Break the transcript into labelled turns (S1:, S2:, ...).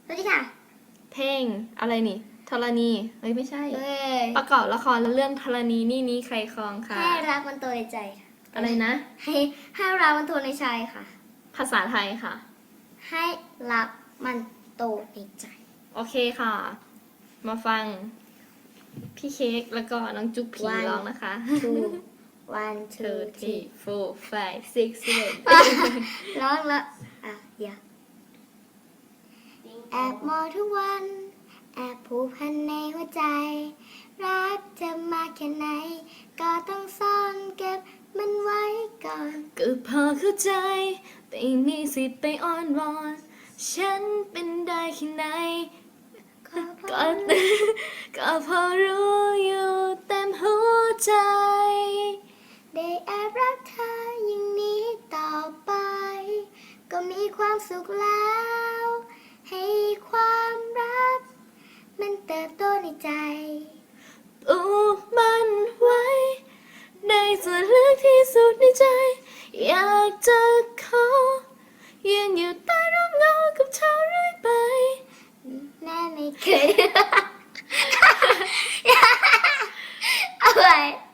S1: สวัสดีค่ะ
S2: เพลงอะไรนี่ธรณีเฮ้ยไม่ใช่
S1: เอ้ย
S2: ประกอบละครเรื่องธรณีนี่ใครครองค่ะ
S1: ให้รักมันโตในใจค่ะ
S2: อะไรนะ
S1: ให้รักมันโตในใจค่ะ
S2: ภาษาไทยค่ะ
S1: ให้รักมันโตในใจ
S2: โอเคค่ะ มาฟังพี่เค้กแล้วก็น้องจุ๊บผี
S1: One
S2: ร้องนะคะ
S1: two one two
S2: two
S1: three
S2: three four five six seven
S1: ร้องแล้วเดี๋ยวแอบมองทุกวัน แอบผูกพันในหัวใจ รักจะมาแค่ไหน ก็ต้องซ่อนเก็บมันไว้ก่อน
S2: ก็พอเข้าใจแต่มีสิทธิ์ไปอ้อนวอน ฉันเป็นได้แค่ไหน ก็ ก็พอรู้อยู่เต็มหัวใจ
S1: ได้แอบรักเธออย่างนี้ต่อไป ก็มีความสุขแล้ว ให้ความรัก มันเติบโตในใจ
S2: ปูมันไว้ ในส่วนลึกที่สุดในใจ อยากจะขอยืนอยู่ใต้ร่มเงากับเธอเรื่อยไป
S1: แม่ไม่เคย เอาไว้